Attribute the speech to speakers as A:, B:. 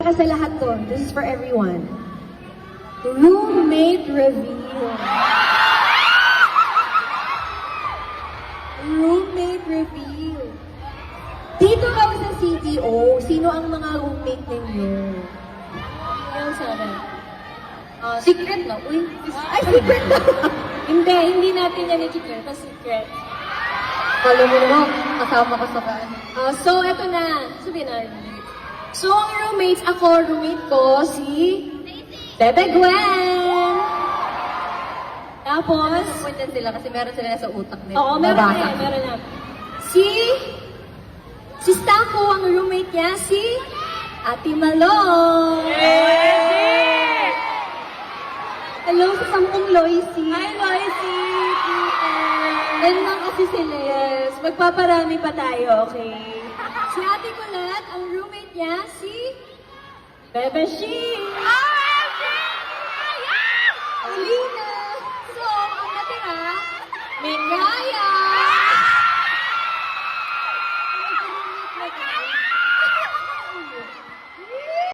A: para sa lahat to. This is for everyone. Roommate reveal. Roommate reveal. Dito ka sa CTO, sino ang mga roommate ninyo?
B: Yung sabi. Secret na. Uy,
A: Ay, secret na!
B: hindi natin yan i-secret. Secret.
A: Kala mo naman, kasama ka sa kaan.
B: So, eto na. Sabihin na. So, ang roommates, ako, roommate ko, si Bebe Gwen. Tapos,
A: Disappointed sila kasi meron sila sa utak nila.
B: oo, meron na yan, meron na. Si Stako, ang roommate niya, si Ate Malong.
A: Hello sa sampung Loisy.
B: Hi, Loisy!
A: Ganun lang kasi sila.
B: Yes, magpaparami pa tayo, okay? Si Ate Colette, ang roommate niya, si Bebe Shi. Alina! So, ang natira, may Kaya,